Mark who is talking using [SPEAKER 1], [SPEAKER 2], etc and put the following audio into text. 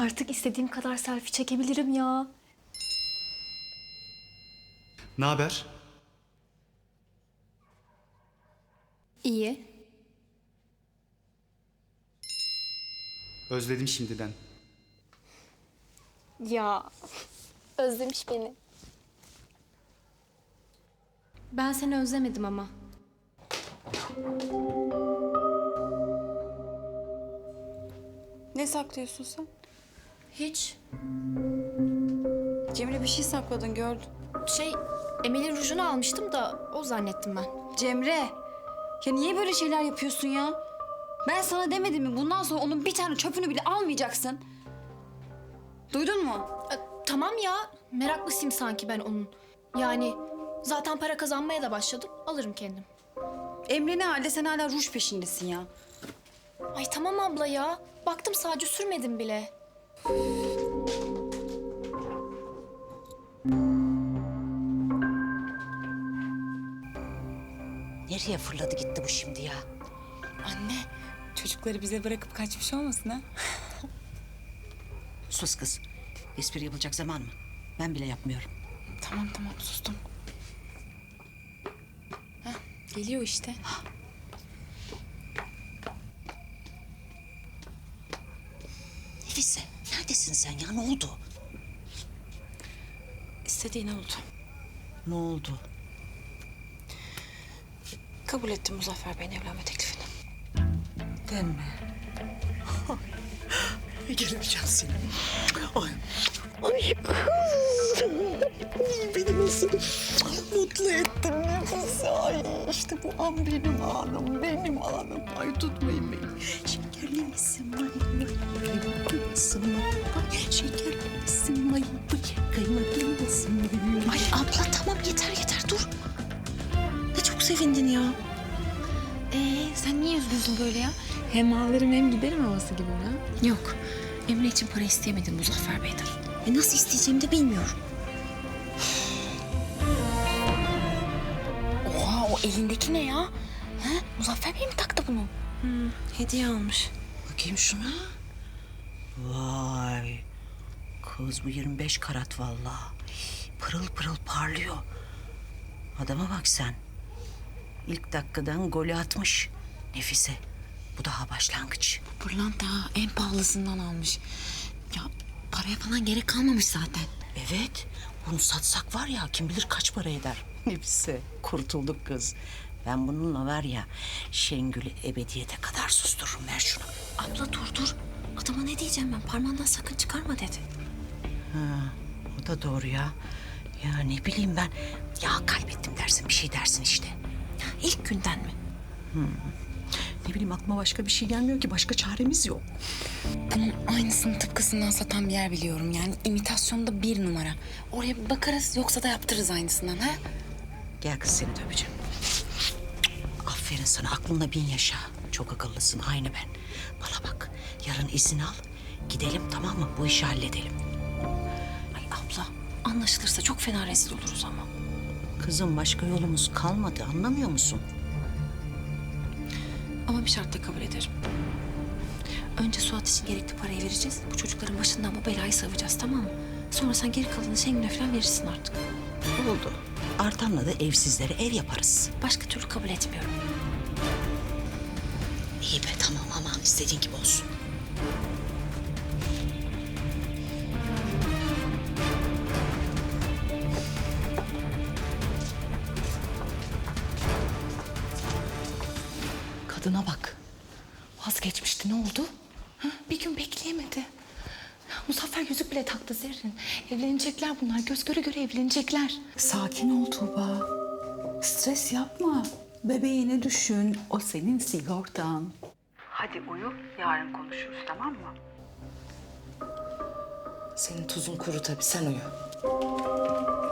[SPEAKER 1] Artık istediğim kadar selfie çekebilirim ya.
[SPEAKER 2] Ne haber?
[SPEAKER 1] İyi.
[SPEAKER 2] Özledim şimdiden.
[SPEAKER 1] Ya özlemiş beni. Ben seni özlemedim ama.
[SPEAKER 3] Ne saklıyorsun sen?
[SPEAKER 1] Hiç.
[SPEAKER 3] Cemre bir şey sakladın gördüm.
[SPEAKER 1] Emel'in rujunu almıştım da o zannettim ben.
[SPEAKER 3] Cemre! Ya niye böyle şeyler yapıyorsun ya? Ben sana demedim mi bundan sonra onun bir tane çöpünü bile almayacaksın? Duydun mu?
[SPEAKER 1] Tamam ya, meraklısıyım sanki ben onun. Yani zaten para kazanmaya da başladım, alırım kendim.
[SPEAKER 3] Emre ne halde sen hala ruj peşindesin ya.
[SPEAKER 1] Ay tamam abla ya, baktım sadece sürmedim bile.
[SPEAKER 4] Nereye fırladı gitti bu şimdi ya?
[SPEAKER 5] Anne, çocukları bize bırakıp kaçmış olmasın ha?
[SPEAKER 4] Sus kız. Espri yapılacak zaman mı? Ben bile yapmıyorum.
[SPEAKER 5] Tamam sustum. Hah, geliyor işte.
[SPEAKER 4] Nefise, neredesin sen ya? Ne oldu?
[SPEAKER 5] İstediğin oldu.
[SPEAKER 4] Ne oldu?
[SPEAKER 5] Kabul ettim Muzaffer Bey'in evlenme teklifini.
[SPEAKER 4] Deme. Gelemeyeceğim seni. Ay. Ay kız. Beni nasıl mutlu ettin Nefise. Ay işte bu an benim anım, benim anım. Ay tutmayın beni. Şekerli misin vay? Kıymetli misin vay? Şekerli misin vay? Kıymetli misin vay? Ay abla tamam yeter dur. Ne çok sevindin ya.
[SPEAKER 5] Sen niye üzgünsün böyle ya? Hem ağlarım hem giderim havası gibi mi ha? Yok, Emre için para isteyemedim Muzaffer Bey'den.
[SPEAKER 4] Nasıl isteyeceğimi de bilmiyorum.
[SPEAKER 5] Oha, o elindeki ne ya? Ha? Muzaffer Bey mi taktı bunu? Hediye almış.
[SPEAKER 4] Bakayım şuna. Vay. Kız bu 25 karat vallahi. Pırıl pırıl parlıyor. Adama bak sen. İlk dakikadan golü atmış. Nefise. Bu daha başlangıç.
[SPEAKER 5] Pırlanta en pahalısından almış. Ya paraya falan gerek kalmamış zaten.
[SPEAKER 4] Evet. Bunu satsak var ya kim bilir kaç para eder. Nefise. Kurtulduk kız. Ben bununla var ya Şengül'ü ebediyete kadar sustururum. Ver şunu.
[SPEAKER 5] Abla dur. Adama ne diyeceğim ben? Parmağından sakın çıkarma dedi.
[SPEAKER 4] O da doğru ya. Ya ne bileyim ben. Ya kaybettim dersin bir şey dersin işte.
[SPEAKER 5] İlk günden mi?
[SPEAKER 4] Ne bileyim aklıma başka bir şey gelmiyor ki. Başka çaremiz yok.
[SPEAKER 5] Bunun aynısını tıpkısından satan bir yer biliyorum. Yani imitasyonda 1 numara. Oraya bir bakarız yoksa da yaptırırız aynısından ha?
[SPEAKER 4] Gel kız seni de öpeceğim. Aferin sana aklınla 1000 yaşa. Çok akıllısın aynı ben. Bana bak yarın izin al. Gidelim tamam mı? Bu işi halledelim.
[SPEAKER 5] Ay abla anlaşılırsa çok fena rezil oluruz ama.
[SPEAKER 4] Kızım başka yolumuz kalmadı anlamıyor musun?
[SPEAKER 5] Ama bir şartla kabul ederim. Önce Suat için gerekli parayı vereceğiz. Bu çocukların başından bu belayı savacağız tamam mı? Sonra sen geri kalanını Şengül'e falan verirsin artık.
[SPEAKER 4] Oldu. Artan'la da evsizlere ev yaparız.
[SPEAKER 5] Başka türlü kabul etmiyorum.
[SPEAKER 4] İyi be tamam aman istediğin gibi olsun.
[SPEAKER 6] Kadına bak. Vazgeçmişti. Ne oldu? Ha? Bir gün bekleyemedi. Muzaffer yüzük bile taktı Zerrin. Evlenecekler bunlar. Göz göre göre evlenecekler.
[SPEAKER 7] Sakin ol Tuğba. Stres yapma. Bebeğini düşün. O senin sigortan. Hadi uyu. Yarın konuşuruz tamam mı?
[SPEAKER 6] Senin tuzun kuru tabii. Sen uyu.